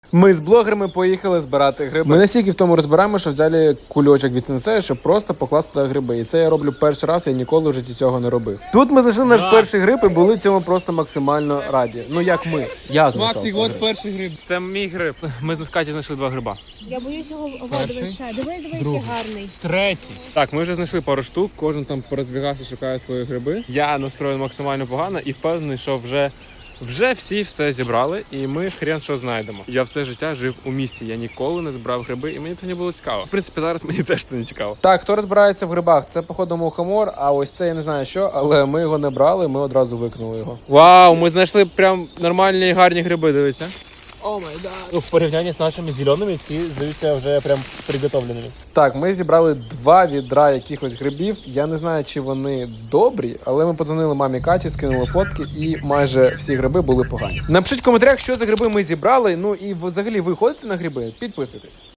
Ми з блогерами поїхали збирати гриби. Ми настільки в тому розбираємо, що взяли кульочок від сенсея, щоб просто покласти туди гриби. І це я роблю перший раз, я ніколи в житті цього не робив. Тут ми знайшли наш перший гриб і були цьому просто максимально раді. Ну як ми. Я знайшов. Максик, от перший гриб. Це мій гриб. Ми з Каті знайшли 2 гриба. Я боюсь його воду ще. Диви, який гарний. Третій. Так, ми вже знайшли пару штук, кожен там порозбігався, шукає свої гриби. Я настроєний максимально погано і впевнений, що вже всі все зібрали, і ми хрен що знайдемо. Я все життя жив у місті, я ніколи не збирав гриби, і мені це не було цікаво. В принципі, зараз мені теж це не цікаво. Так, хто розбирається в грибах? Це, походу, мухомор, а ось це я не знаю що, але ми його не брали, ми одразу викинули його. Вау, ми знайшли прям нормальні і гарні гриби, дивіться. О май гад. Ну, в порівнянні з нашими зеленими, ці здаються вже прям приготовленими. Так, ми зібрали 2 відра якихось грибів. Я не знаю, чи вони добрі, але ми подзвонили мамі Каті, скинули фотки, і майже всі гриби були погані. Напишіть в коментарях, що за гриби ми зібрали. Ну і взагалі ви ходите на гриби? Підписуйтесь.